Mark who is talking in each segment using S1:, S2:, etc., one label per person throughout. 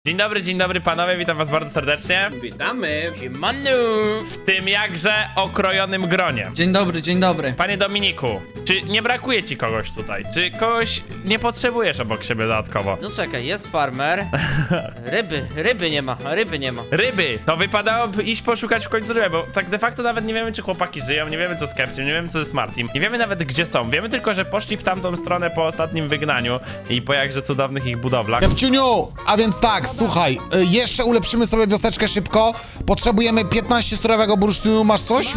S1: Dzień dobry panowie, witam was bardzo serdecznie.
S2: Witamy.
S1: Siemanu! W tym jakże okrojonym gronie.
S3: Dzień dobry, dzień dobry.
S1: Panie Dominiku, czy nie brakuje ci kogoś tutaj? Czy kogoś nie potrzebujesz obok siebie dodatkowo?
S4: No czekaj, jest farmer. Ryby nie ma.
S1: Ryby! To wypadałoby iść poszukać w końcu ryby, bo tak de facto nawet nie wiemy, czy chłopaki żyją, nie wiemy co z Kepciem, nie wiemy co z Martim, nie wiemy nawet gdzie są. Wiemy tylko, że poszli w tamtą stronę po ostatnim wygnaniu i po jakże cudownych ich budowlach.
S5: Kepciuniu, a więc tak, słuchaj, jeszcze ulepszymy sobie wioseczkę szybko. Potrzebujemy 15 surowego bursztynu, masz coś?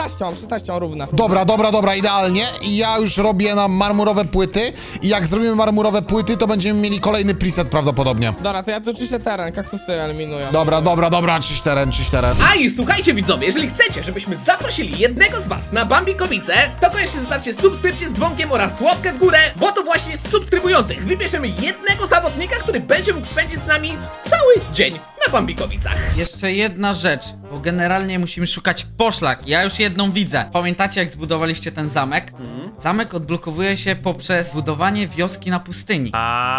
S2: 16 mam równa.
S5: Dobra, idealnie. I ja już robię nam marmurowe płyty i jak zrobimy marmurowe płyty, to będziemy mieli kolejny preset prawdopodobnie.
S2: Dobra, to ja tu czyszczę teren, kaktusy eliminuję.
S5: Dobra, czyść teren.
S6: A i słuchajcie widzowie, jeżeli chcecie, żebyśmy zaprosili jednego z was na Bambikowice, to koniecznie zostawcie subskrypcję z dzwonkiem oraz łapkę w górę, bo to właśnie z subskrybujących wybierzemy jednego zawodnika, który będzie mógł spędzić z nami cały dzień na Bambikowicach.
S3: Jeszcze jedna rzecz, bo generalnie musimy szukać poszlak. Ja już jedną widzę. Pamiętacie, jak zbudowaliście ten zamek? Zamek odblokowuje się poprzez budowanie wioski na pustyni.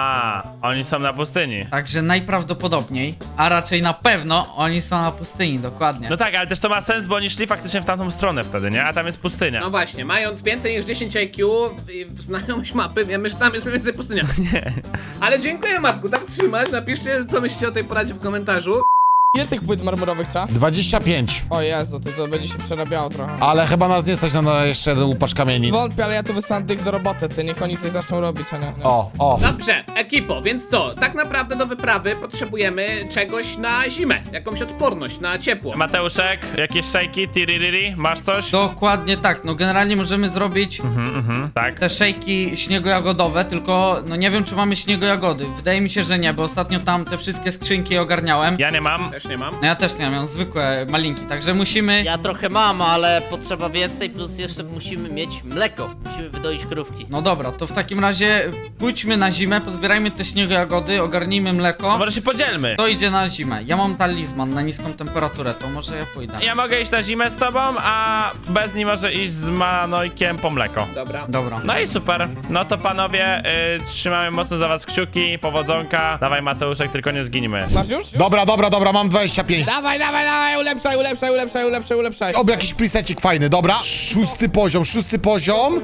S1: Oni są na pustyni.
S3: Także najprawdopodobniej, a raczej na pewno, oni są na pustyni, dokładnie.
S1: No tak, ale też to ma sens, bo oni szli faktycznie w tamtą stronę wtedy, nie? A tam jest pustynia.
S6: No właśnie, mając więcej niż 10 IQ i znajomość mapy, wiemy, że tam jest mniej więcej pustynia. Ale dziękuję Matku, tak trzymać, napiszcie co myślicie o tej poradzie w komentarzu.
S2: Ile tych płyt marmurowych trzeba?
S5: 25.
S2: O Jezu, to będzie się przerabiało trochę.
S5: Ale chyba nas nie stać na jeszcze jeden łupasz kamieni.
S2: Wątpię, ale ja tu wysłałem tych do roboty, ty niech oni coś zaczną robić, a nie.
S5: O.
S6: Dobrze, ekipo, więc co? Tak naprawdę do wyprawy potrzebujemy czegoś na zimę, jakąś odporność na ciepło.
S1: Mateuszek, jakieś szejki, tiririri, masz coś?
S3: Dokładnie tak, no generalnie możemy zrobić
S1: Tak.
S3: te szejki śniegojagodowe, tylko no nie wiem, czy mamy śniegojagody. Wydaje mi się, że nie, bo ostatnio tam te wszystkie skrzynki ogarniałem.
S1: Ja nie mam.
S6: Też nie mam.
S3: No ja też nie mam zwykłe malinki, także musimy...
S4: Ja trochę mam, ale potrzeba więcej, plus jeszcze musimy mieć mleko. Musimy wydoić krówki.
S3: No dobra, to w takim razie pójdźmy na zimę, pozbierajmy te śniegojagody, ogarnijmy
S1: No
S3: mleko.
S1: może się podzielmy.
S3: To idzie na zimę. Ja mam talizman na niską temperaturę, to może ja pójdę.
S1: Ja mogę iść na zimę z tobą, a bez niej może iść z Manojkiem po mleko.
S6: Dobra.
S3: Dobra.
S1: No i super. No to panowie, trzymamy mocno za was kciuki, powodzonka. Dawaj Mateuszek, tylko nie zginimy.
S2: Masz już?
S5: Dobra, mam 25.
S2: Dawaj, ulepszaj.
S5: Oby jakiś presecik fajny, dobra. Szósty poziom.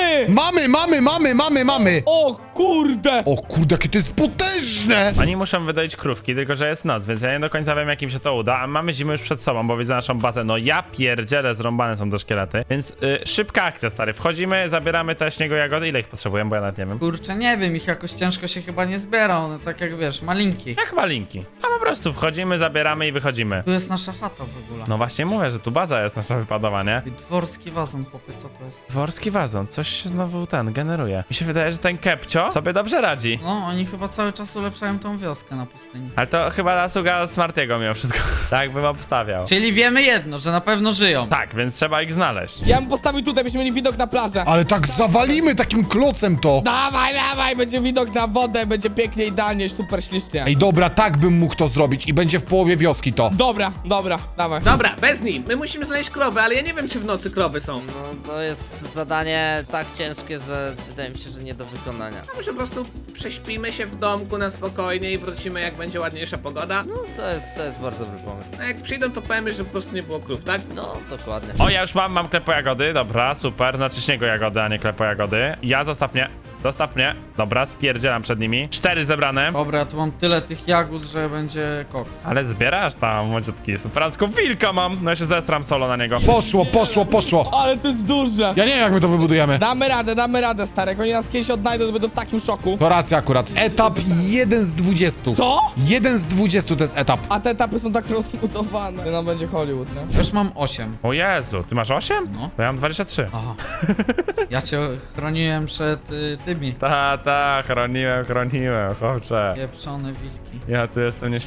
S5: Mamy.
S2: O kurde!
S5: O kurde, jakie to jest potężne.
S1: Oni muszą wydoić krówki, tylko że jest noc, więc ja nie do końca wiem, jak im się to uda. A mamy zimę już przed sobą, bo widzę naszą bazę. No ja pierdzielę, zrąbane są te szkielety. Więc szybka akcja, stary. Wchodzimy, zabieramy te śniegojagody. Ile ich potrzebujemy, bo ja nawet nie wiem.
S3: Kurczę, nie wiem, ich jakoś ciężko się chyba nie zbiera, one tak jak wiesz, malinki.
S1: Jak malinki. A po prostu wchodzimy, zabieramy i wychodzimy.
S3: Tu jest nasza chata w ogóle.
S1: No właśnie mówię, że tu baza jest nasza wypadowa, nie?
S3: I dworski wazon, chłopie, co to jest?
S1: Dworski wazon, coś się znowu generuje. Mi się wydaje, że ten Kepcio sobie dobrze radzi.
S3: No, oni chyba cały czas ulepszają tą wioskę na pustyni.
S1: Ale to chyba zasługa Smartiego mimo wszystko. Tak bym obstawiał.
S3: Czyli wiemy jedno, że na pewno żyją.
S1: Tak, więc trzeba ich znaleźć.
S2: Ja bym postawił tutaj, byśmy mieli widok na plażę.
S5: Ale tak zawalimy takim klocem to.
S2: Dawaj, będzie widok na wodę, będzie pięknie, idealnie, super ślicznie.
S5: Ej, dobra, tak bym mógł to zrobić i będzie w połowie wioski to.
S2: Dobra, dawaj.
S6: Dobra, bez nim. My musimy znaleźć krowy, ale ja nie wiem, czy w nocy krowy są.
S4: No to jest zadanie tak ciężkie, że wydaje mi się, że nie do wykonania.
S6: A może po prostu prześpimy się w domku na spokojnie i wrócimy, jak będzie ładniejsza pogoda.
S4: No to jest bardzo dobry pomysł.
S6: A jak przyjdą, to powiemy, że po prostu nie było krów, tak?
S4: No, dokładnie.
S1: O, ja już mam klepo jagody, dobra, super, znaczy śniego jagody, a nie klepo jagody. Ja, zostaw mnie, dobra, spierdzielam przed nimi. 4 zebrane.
S3: Dobra, ja tu mam tyle tych jagód, że będzie koks.
S1: Ale zbierasz tam, młodziutki, superancko, wilka mam, no ja się zestram solo na niego.
S5: Poszło.
S2: Ale to jest duże.
S5: Ja nie wiem, jak my to wybudujemy.
S2: Damy radę, stary. Jak oni nas kiedyś odnajdą, to będą w takim szoku.
S5: To racja akurat. Etap 1 z 20.
S2: Co?
S5: 1 z 20 to jest etap.
S2: A te etapy są tak rozbudowane. No będzie Hollywood, nie?
S3: Już mam 8.
S1: O Jezu, ty masz 8?
S3: No.
S1: Bo ja mam 23.
S3: Aha. Ja cię chroniłem przed tymi.
S1: Chroniłem, chłopcze.
S3: Pieprzone wilki.
S1: Ja tu jestem nieśmiertelny.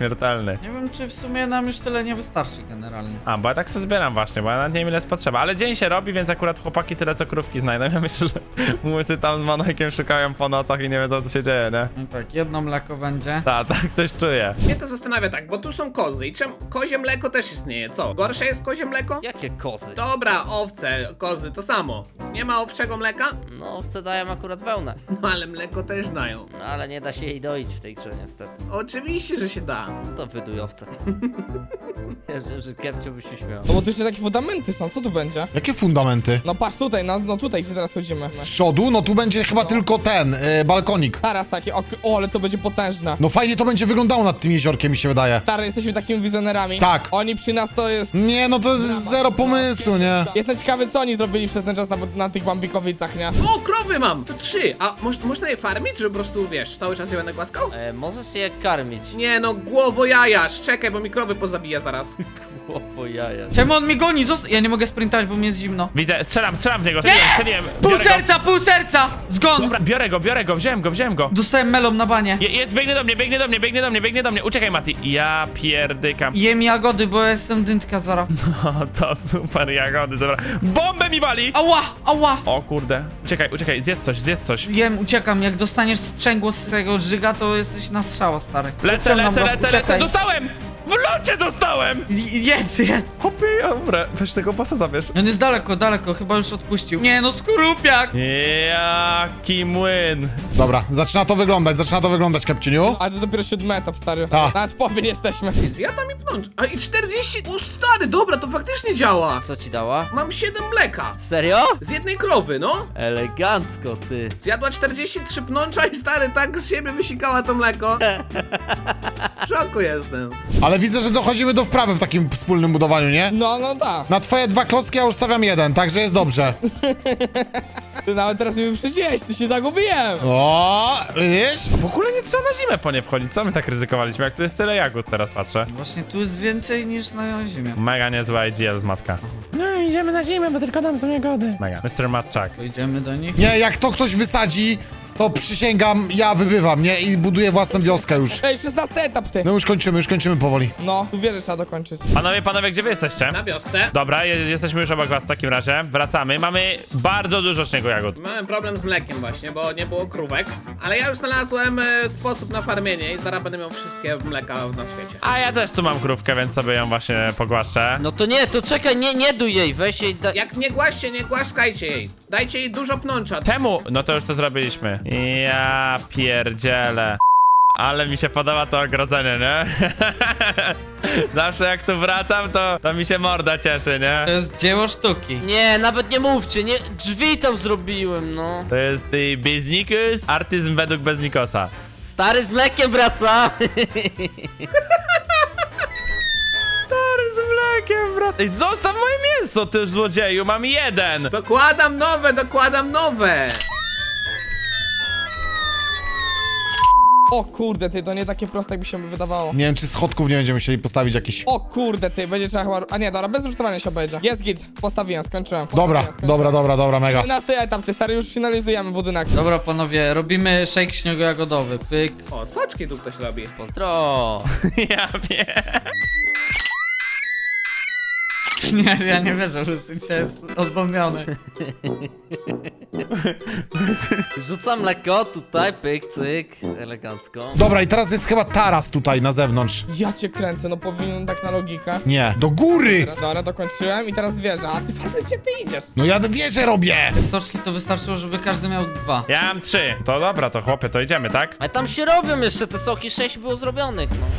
S1: Śmiertelny.
S3: Nie wiem, czy w sumie nam już tyle nie wystarczy generalnie.
S1: A, bo ja tak sobie zbieram właśnie, bo ja nawet nie wiem ile jest potrzeba. Ale dzień się robi, więc akurat chłopaki tyle co krówki znajdą. Ja myślę, że łysy tam z Manojkiem szukają po nocach i nie wiedzą co się dzieje, nie?
S3: No tak, jedno mleko będzie.
S1: Tak, coś czuję.
S6: Mnie to zastanawia tak, bo tu są kozy i kozie mleko też istnieje, co? Gorsze jest kozie mleko?
S4: Jakie kozy?
S6: Dobra, owce, kozy, to samo. Nie ma owczego mleka?
S4: No, owce dają akurat wełnę.
S6: No ale mleko też dają.
S4: No, ale nie da się jej doić w tej grze niestety.
S6: Oczywiście, że się da.
S4: No to wyduj owce. Ja wiem, że Kepcio by się śmiał.
S2: No bo tu jeszcze takie fundamenty są, co tu będzie?
S5: Jakie fundamenty?
S2: No patrz tutaj, no tutaj, gdzie teraz chodzimy.
S5: Z przodu? No tu będzie chyba tylko ten, balkonik.
S2: Teraz takie, o, ale to będzie potężne.
S5: No fajnie to będzie wyglądało nad tym jeziorkiem, mi się wydaje.
S2: Stary, jesteśmy takimi wizjonerami.
S5: Tak.
S2: Oni przy nas to jest...
S5: Nie, no to jest zero pomysłu, nie?
S2: Jestem ciekawy, co oni zrobili przez ten czas na tych Bambikowicach, nie?
S6: O, krowy mam! To 3. A można je farmić, czy po prostu, wiesz, cały czas je będę głaskał?
S4: Możesz się jak karmić.
S6: Nie no, głowo jajasz, czekaj, bo mi krowy pozabija zaraz.
S4: Głowo jaja.
S3: Czemu on mi goni? Ja nie mogę sprintować, bo mi jest zimno.
S1: Widzę, strzelam w niego, strzeliłem.
S3: Pół serca! Zgon!
S1: Dobra, biorę go, wziąłem go.
S3: Dostałem melon na banie.
S1: Jest, biegnie do mnie. Uciekaj, Mati. Ja pierdykam.
S3: Jem jagody, bo ja jestem dyntka zara.
S1: O, to super jagody, dobra. Bombę mi wali!
S3: Ała!
S1: O kurde. Uciekaj, zjedz coś.
S3: Jem, uciekam. Jak dostaniesz sprzęgło z tego drzyga, to jesteś na strzała, stary.
S1: Lecę,
S3: Uciekaj.
S1: dostałem! W locie dostałem!
S3: Jedz!
S1: Hopie, dobra, weź tego pasa zabierz.
S3: On jest daleko, chyba już odpuścił. Nie no, skorupiak!
S1: Jaki młyn.
S5: Dobra, zaczyna to wyglądać, Kepciuniu.
S2: Ale to jest dopiero 7 etap, stary.
S5: A.
S2: Nawet w połowie nie jesteśmy.
S6: Zjadam i pnącz. A i 40. O stary, dobra, to faktycznie działa.
S4: Co ci dała?
S6: Mam 7 mleka.
S4: Serio?
S6: Z jednej krowy, no.
S4: Elegancko, ty.
S6: Zjadła 43 pnącza i stary tak z siebie wysikała to mleko. W szoku jestem.
S5: Ale widzę, że dochodzimy do wprawy w takim wspólnym budowaniu, nie?
S2: No tak.
S5: Na twoje 2 klocki ja już stawiam 1, także jest dobrze.
S2: Ty nawet teraz mnie wyprzedziłeś, ty się zagubiłem.
S5: O, widzisz?
S1: W ogóle nie trzeba na zimę po nie wchodzić. Co my tak ryzykowaliśmy? Jak tu jest tyle jagód, teraz patrzę.
S3: Właśnie tu jest więcej niż na ziemię.
S1: Mega niezła IGL z matka. No idziemy na zimę, bo tylko tam są jagody. Mega. Mr. Matczak.
S3: Pojedziemy do nich.
S5: Nie, jak to ktoś wysadzi, to przysięgam, ja wybywam, nie? I buduję własną wioskę już.
S2: Ej, 16 etap, ty.
S5: No już kończymy powoli.
S2: No, tu wierzę, trzeba dokończyć.
S1: Panowie, gdzie wy jesteście?
S6: Na wiosce.
S1: Dobra, jesteśmy już obok was w takim razie. Wracamy. Mamy bardzo dużo śniegu jagód.
S6: Miałem problem z mlekiem właśnie, bo nie było krówek. Ale ja już znalazłem sposób na farmienie i zaraz będę miał wszystkie mleka na świecie.
S1: A ja też tu mam krówkę, więc sobie ją właśnie pogłaszczę.
S4: No to nie, to czekaj, nie duj jej, weź jej
S6: Jak nie głaście, nie głaszkajcie jej. Dajcie jej dużo pnącza.
S1: Czemu? No to już to zrobiliśmy. Ja pierdzielę. Ale mi się podoba to ogrodzenie, nie? Zawsze jak tu wracam, to mi się morda cieszy, nie?
S3: To jest dzieło sztuki.
S4: Nie, nawet nie mówcie, nie, drzwi tam zrobiłem, no.
S1: To jest Beznikus, artyzm według Beznikosa.
S4: Stary z mlekiem wraca.
S1: Stary z mlekiem, brat. Ej, zostaw moje mięso, ty złodzieju, mam 1.
S6: Dokładam nowe.
S2: O kurde, ty, to nie takie proste, jak mi się wydawało.
S5: Nie wiem, czy schodków nie będziemy musieli postawić jakiś.
S2: O kurde, ty, będzie trzeba chyba... A nie, dobra, bez rusztowania się obejdzie. Jest git, postawiłem, skończyłem.
S5: Dobra, mega.
S2: 11 etap, ty, stary, już finalizujemy budynek.
S3: Dobra, panowie, robimy shake śniego-jagodowy. Pyk.
S6: O, soczki tu ktoś robi.
S4: Pozdro.
S1: Ja wiem.
S3: Nie, ja nie wierzę, że Syncia jest odbombiony.
S4: Rzucam mleko, tutaj, pyk, cyk, elegancko.
S5: Dobra, i teraz jest chyba taras tutaj na zewnątrz.
S2: Ja cię kręcę, no powinien tak na logikę.
S5: Nie, do góry!
S2: Dobra, dokończyłem i teraz wieża. A ty farmy, gdzie ty idziesz?
S5: No ja wieżę robię!
S3: Te soczki to wystarczyło, żeby każdy miał 2.
S1: Ja mam 3. To dobra, to chłopie, to idziemy, tak?
S4: Ale tam się robią jeszcze te soki, 6 było zrobionych, no.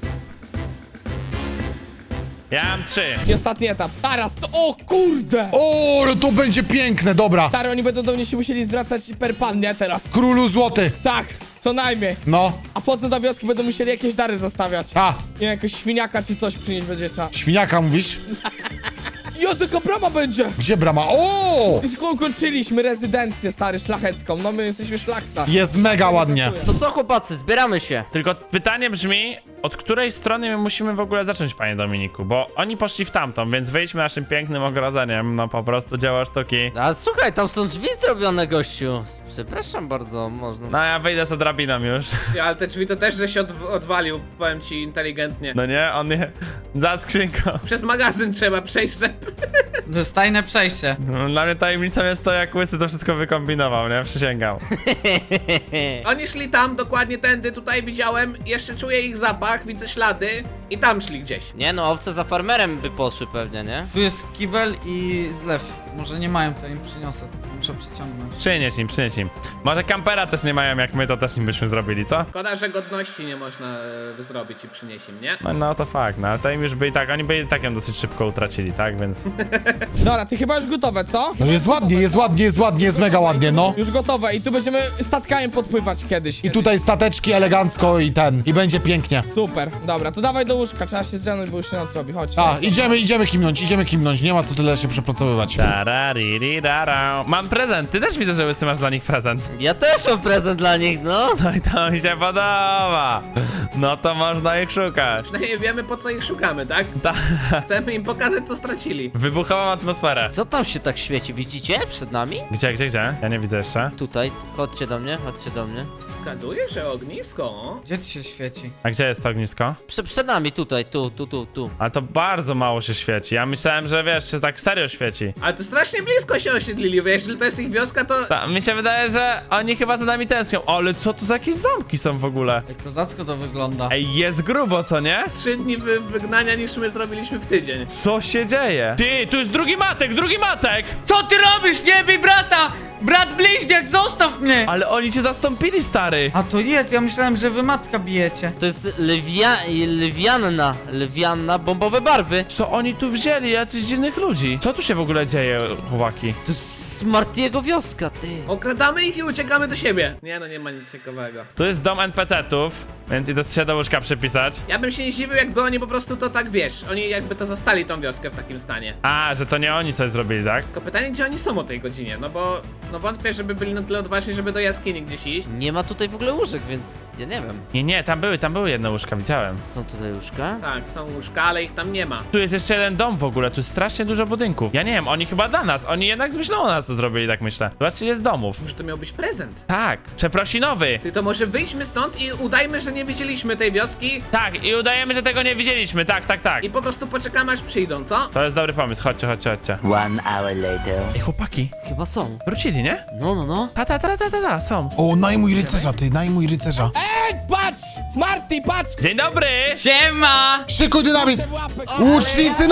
S1: Ja mam 3.
S2: I ostatni etap. Teraz to... O kurde!
S5: O, no to będzie piękne, dobra.
S2: Stary, oni będą do mnie się musieli zwracać per pan, nie? Teraz.
S5: Królu złoty.
S2: Tak, co najmniej.
S5: No,
S2: A wchodząc za wioski będą musieli jakieś dary zostawiać.
S5: a,
S2: Nie wiem, jakiegoś świniaka czy coś przynieść będzie trzeba.
S5: świniaka mówisz?
S2: Jezu, jaka brama będzie!
S5: Gdzie brama? O!
S2: Kończyliśmy rezydencję, stary, szlachecką. No my jesteśmy szlachta.
S5: Jest mega ładnie.
S4: To co, chłopacy, zbieramy się.
S1: Tylko pytanie brzmi, od której strony my musimy w ogóle zacząć, panie Dominiku? Bo oni poszli w tamtą, więc wyjdźmy naszym pięknym ogrodzeniem. No po prostu dzieło sztuki.
S4: A słuchaj, tam są drzwi zrobione, gościu. Przepraszam bardzo, można.
S1: No ja wyjdę za drabiną już.
S6: Ale te drzwi to też, że się odwalił, powiem ci inteligentnie.
S1: No nie, on nie... Za skrzynką.
S6: Przez magazyn trzeba przejść, żeby...
S3: To jest tajne przejście.
S1: No, dla mnie tajemnicą jest to, jak Łysy to wszystko wykombinował, nie? Przysięgam.
S6: Oni szli tam, dokładnie tędy, tutaj widziałem, jeszcze czuję ich zapach, widzę ślady i tam szli gdzieś.
S4: Nie no, owce za farmerem by poszły pewnie, nie?
S3: Tu jest kibel i zlew. Może nie mają, to im przyniosę, tylko muszę przeciągnąć.
S1: Przynieś im. Może kampera też nie mają, jak my to też im byśmy zrobili, co?
S6: Szkoda, że godności nie można zrobić i przynieść im, nie?
S1: No to fakt, no ale to im już by i tak, oni by i tak ją dosyć szybko utracili, tak? Więc...
S2: Dobra, ty chyba już gotowe, co?
S5: No jest ładnie, jest ładnie, jest ładnie, jest mega ładnie, no.
S2: Już gotowe i tu będziemy statkami podpływać kiedyś.
S5: I tutaj stateczki elegancko i ten. I będzie pięknie.
S2: Super, dobra, to dawaj do łóżka, trzeba się zdrzemnąć, bo już się noc robi, chodź.
S5: A, idziemy kimnąć. Nie ma co tyle się przepracowywać.
S1: Tararirirara. Mam prezent, ty też widzę, że Łysy masz dla nich prezent.
S4: Ja też mam prezent dla nich, no.
S1: No i to mi się podoba. No to można ich szukać.
S6: Przynajmniej wiemy, po co ich szukamy, tak?
S1: Ta...
S6: Chcemy im pokazać, co stracili.
S1: Wybuchową atmosferę.
S4: Co tam się tak świeci, widzicie? Przed nami?
S1: Gdzie? Ja nie widzę jeszcze.
S4: Tutaj, chodźcie do mnie.
S6: Zgaduję, że ognisko.
S3: Gdzie ci się świeci?
S1: A gdzie jest to ognisko?
S4: Przed nami, tutaj, tu.
S1: Ale to bardzo mało się świeci. Ja myślałem, że wiesz, się tak serio świeci.
S6: Ale to strasznie blisko się osiedlili, wiesz, jeżeli to jest ich wioska, to...
S1: Mi się wydaje, że oni chyba za nami tęsknią. Ale co to za jakieś zamki są w ogóle?
S3: Ej, kozacko to wygląda.
S1: Ej, jest grubo, co nie?
S6: 3 dni wygnania niż my zrobiliśmy w tydzień.
S1: Co się dzieje? Ty, tu jest drugi matek!
S3: Co ty robisz? Nie bij brata! Brat bliźniak, zostaw mnie!
S1: Ale oni cię zastąpili, stary.
S3: A to jest, ja myślałem, że wy matka bijecie.
S4: To jest lewianna, bombowe barwy.
S1: Co oni tu wzięli? Jacyś dziwnych ludzi. Co tu się w ogóle dzieje, chłopaki?
S4: To jest Smartiego wioska, ty.
S6: Okradamy ich i uciekamy do siebie. Nie no, nie ma nic ciekawego.
S1: Tu jest dom NPC-ów, więc idę się do łóżka przypisać.
S6: Ja bym się nie zdziwił, jakby oni po prostu to tak, wiesz, oni jakby to zastali tą wioskę w takim stanie.
S1: A, że to nie oni coś zrobili, tak?
S6: Tylko pytanie, gdzie oni są o tej godzinie, no bo... No wątpię, żeby byli na tyle odważni, żeby do jaskini gdzieś iść.
S4: Nie ma tutaj w ogóle łóżek, więc ja nie wiem.
S1: Nie, tam były jedne łóżka, widziałem.
S4: Są tutaj łóżka?
S6: Tak, są łóżka, ale ich tam nie ma.
S1: Tu jest jeszcze jeden dom w ogóle, tu jest strasznie dużo budynków. Ja nie wiem, oni chyba dla nas, oni jednak z myślą o nas to zrobili, tak myślę. Zobaczcie, jest domów.
S6: Może to miał być prezent.
S1: Tak, przeprosinowy.
S6: Ty, to może wyjdźmy stąd i udajmy, że nie widzieliśmy tej wioski
S1: Tak, i udajemy, że tego nie widzieliśmy, tak.
S6: i po prostu poczekamy, aż przyjdą, co?
S1: To jest dobry pomysł, chodźcie.
S7: 1 hour later.
S1: Ej, chłopaki,
S4: Chyba są.
S1: wrócili, nie?
S4: No.
S1: Ta, są.
S5: O, najmuj rycerza.
S2: Ej, patrz! Smarty, patrz!
S1: Dzień dobry!
S3: Siema!
S5: Szykuj dynamit!
S2: Te łapy.
S5: Łucznicy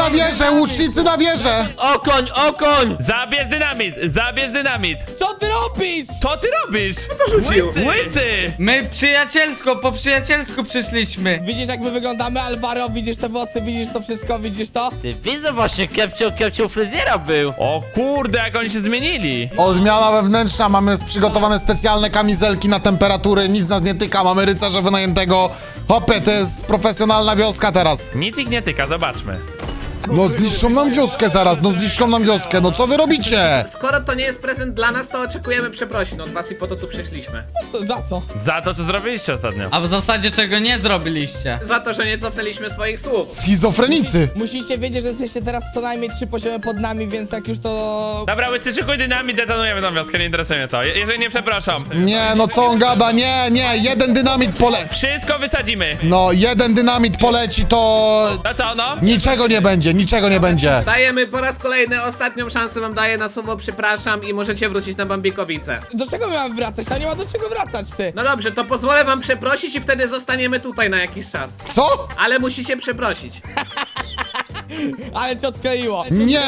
S5: na wieżę!
S4: Okoń!
S1: Zabierz dynamit!
S2: Co ty robisz?
S1: Co ty robisz?
S6: To rzucił.
S1: Łysy!
S3: My po przyjacielsku przyszliśmy.
S2: Widzisz, jak my wyglądamy, Alvaro? Widzisz te włosy, widzisz to wszystko, widzisz to?
S4: Ty widzę właśnie, kepcio fryzjera był.
S1: O kurde, jak oni się zmienili!
S5: Odmiana wewnętrzna, mamy przygotowane specjalne kamizelki na temperatury, nic nas nie tyka, mamy rycerza wynajętego. Hopę, to jest profesjonalna wioska teraz.
S1: Nic ich nie tyka, zobaczmy.
S5: No zniszczą nam wioskę zaraz, no co wy robicie?
S6: Skoro to nie jest prezent dla nas, to oczekujemy przeprosin od was i po to tu przyszliśmy.
S2: To za co?
S1: Za to, co zrobiliście ostatnio.
S3: A w zasadzie czego nie zrobiliście?
S6: Za to, że nie cofnęliśmy swoich słów.
S5: Schizofrenicy.
S2: Musicie wiedzieć, że jesteście teraz co najmniej 3 poziomy pod nami, więc jak już to...
S1: Dobra, Łysy, szykuj dynamit, detonujemy tą wioskę, nie interesuje mnie to. Jeżeli nie przepraszam.
S5: Nie, no co on gada, nie, jeden dynamit
S1: Wszystko wysadzimy.
S5: No, jeden dynamit poleci, to
S1: No co, no?
S5: niczego nie będzie.
S6: Dajemy po raz kolejny ostatnią szansę wam daję na słowo przepraszam i możecie wrócić na Bambikowice.
S2: Do czego my mamy wracać? Tam nie ma do czego wracać, ty.
S6: No dobrze, to pozwolę wam przeprosić i wtedy zostaniemy tutaj na jakiś czas.
S5: Co?
S6: Ale musicie przeprosić.
S2: Ale cię odkleiło.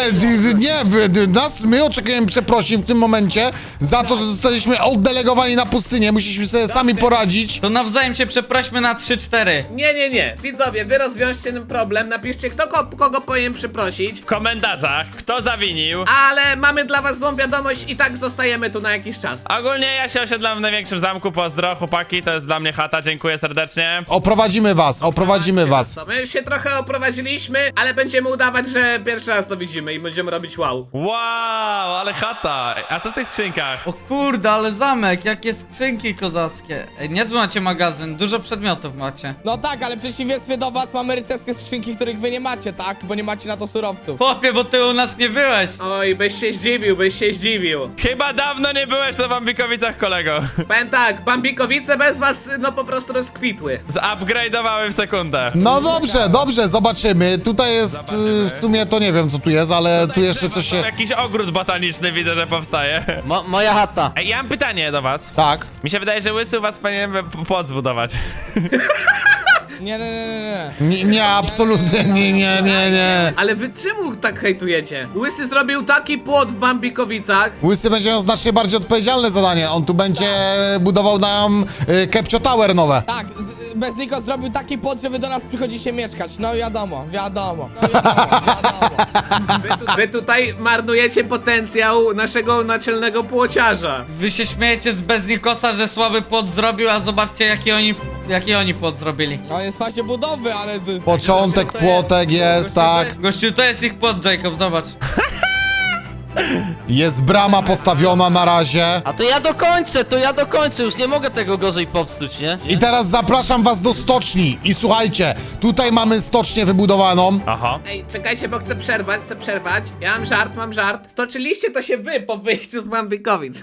S5: My oczekujemy przeprosin w tym momencie za to, że zostaliśmy oddelegowani na pustynię, musieliśmy sobie sami poradzić.
S3: To nawzajem się przeprośmy na 3-4.
S6: Nie. Widzowie, wy rozwiążcie ten problem, napiszcie kogo powinien przeprosić.
S1: W komentarzach, kto zawinił.
S6: Ale mamy dla was złą wiadomość i tak zostajemy tu na jakiś czas.
S1: Ogólnie ja się osiedlam w największym zamku, pozdro, chłopaki, to jest dla mnie chata, dziękuję serdecznie.
S5: Oprowadzimy was.
S6: To my się trochę oprowadziliśmy, ale będziemy udawać, że pierwszy raz to widzimy i będziemy robić wow.
S1: Wow, ale chata. A co w tych skrzynkach?
S3: O kurde, ale zamek, jakie skrzynki kozackie. Ej, niezły macie magazyn, dużo przedmiotów macie.
S2: No tak, ale w przeciwieństwie do was mamy rycerskie skrzynki, których wy nie macie, tak? Bo nie macie na to surowców.
S3: Chłopie, bo ty u nas nie byłeś.
S6: Oj, byś się zdziwił, byś się zdziwił.
S1: Chyba dawno nie byłeś na Bambikowicach, kolego.
S6: Powiem tak, Bambikowice bez was, no po prostu rozkwitły.
S1: Zupgrade'owały w sekundę.
S5: No dobrze, dobrze, zobaczymy. Tutaj jest
S1: Zobaczymy.
S5: w sumie to nie wiem co tu jest, ale tu jeszcze coś się...
S1: Jakiś ogród botaniczny widzę, że powstaje.
S4: Moja chata.
S1: Ej, ja mam pytanie do was.
S5: Tak.
S1: Mi się wydaje, że Łysy u was powinien płot zbudować.
S2: Nie.
S5: Nie, absolutnie, nie.
S6: Ale wy czemu tak hejtujecie? Łysy zrobił taki płot w Bambikowicach.
S5: Łysy będzie miał znacznie bardziej odpowiedzialne zadanie. On tu będzie budował nam Kepcio Tower nowe.
S2: Tak, Bezliko zrobił taki płot, że wy do nas przychodzicie mieszkać. No wiadomo.
S6: Wy tutaj marnujecie potencjał naszego naczelnego płociarza.
S3: Wy się śmiejecie z Beznikosa, że słaby płot zrobił, a zobaczcie jaki oni płot zrobili.
S2: No jest w fazie budowy, ale...
S5: Początek, płotek jest, tak.
S3: Gościu, to jest ich płot, Jacob, zobacz.
S5: Jest brama postawiona na razie.
S4: A to ja dokończę, już nie mogę tego gorzej popsuć, nie?
S5: I teraz zapraszam was do stoczni. I słuchajcie, tutaj mamy stocznię wybudowaną.
S1: Aha.
S6: Ej, czekajcie, bo chcę przerwać. Ja mam żart. Stoczyliście to się wy po wyjściu z Bambikowic.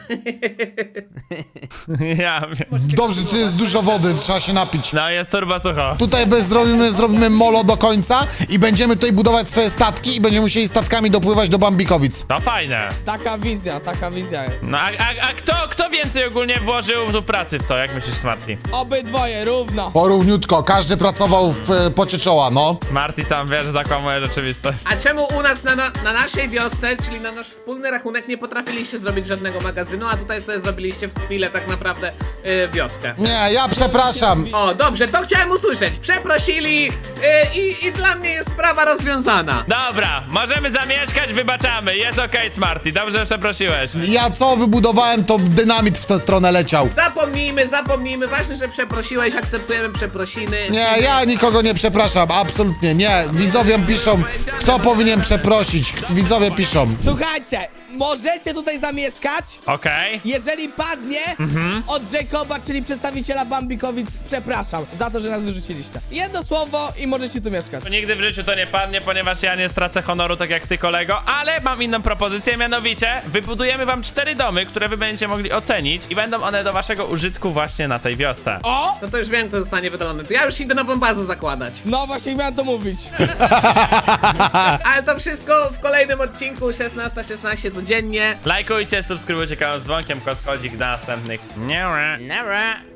S1: Ja wiem.
S5: Dobrze, tu jest dużo wody, trzeba się napić.
S1: No, jest turbo sucho.
S5: Tutaj zrobimy molo do końca i będziemy tutaj budować swoje statki i będziemy musieli statkami dopływać do Bambikowic.
S1: To fajne.
S2: Taka wizja.
S1: No, a kto więcej ogólnie włożył tu pracy w to, jak myślisz, Smarty?
S2: Obydwoje, równo.
S5: Porówniutko, każdy pracował w pocie czoła, no.
S1: Smarty sam wiesz, zakłamuje rzeczywistość.
S6: A czemu u nas na naszej wiosce, czyli na nasz wspólny rachunek, nie potrafiliście zrobić żadnego magazynu, a tutaj sobie zrobiliście w chwilę tak naprawdę wioskę?
S5: Nie, ja przepraszam.
S6: O, dobrze, to chciałem usłyszeć. Przeprosili i dla mnie jest sprawa rozwiązana.
S1: Dobra, możemy zamieszkać, wybaczamy. Jest okej, Smarty, dobrze, że przeprosiłeś.
S5: Ja co wybudowałem, to dynamit w tę stronę leciał.
S6: Zapomnijmy, ważne, że przeprosiłeś, akceptujemy przeprosiny.
S5: Nie, ja nikogo nie przepraszam, absolutnie nie. Widzowie piszą, kto powinien przeprosić. Widzowie piszą.
S2: Słuchajcie, możecie tutaj zamieszkać,
S1: Okej.
S2: jeżeli padnie od Jacoba, czyli przedstawiciela Bambikowic, przepraszam za to, że nas wyrzuciliście. Jedno słowo i możecie tu mieszkać.
S1: Nigdy w życiu to nie padnie, ponieważ ja nie stracę honoru tak jak ty, kolego, ale mam inną propozycję, mianowicie wybudujemy wam 4 domy, które wy będziecie mogli ocenić i będą one do waszego użytku właśnie na tej wiosce.
S2: O!
S6: No to już wiem, kto zostanie wydalony. To ja już idę nową bazę zakładać.
S2: No właśnie miałem to mówić.
S6: Ale to wszystko w kolejnym odcinku 16:16 codziennie.
S1: Lajkujcie, subskrybujcie kanał z dzwonkiem, kodzik do następnych. Nie.
S4: Nara.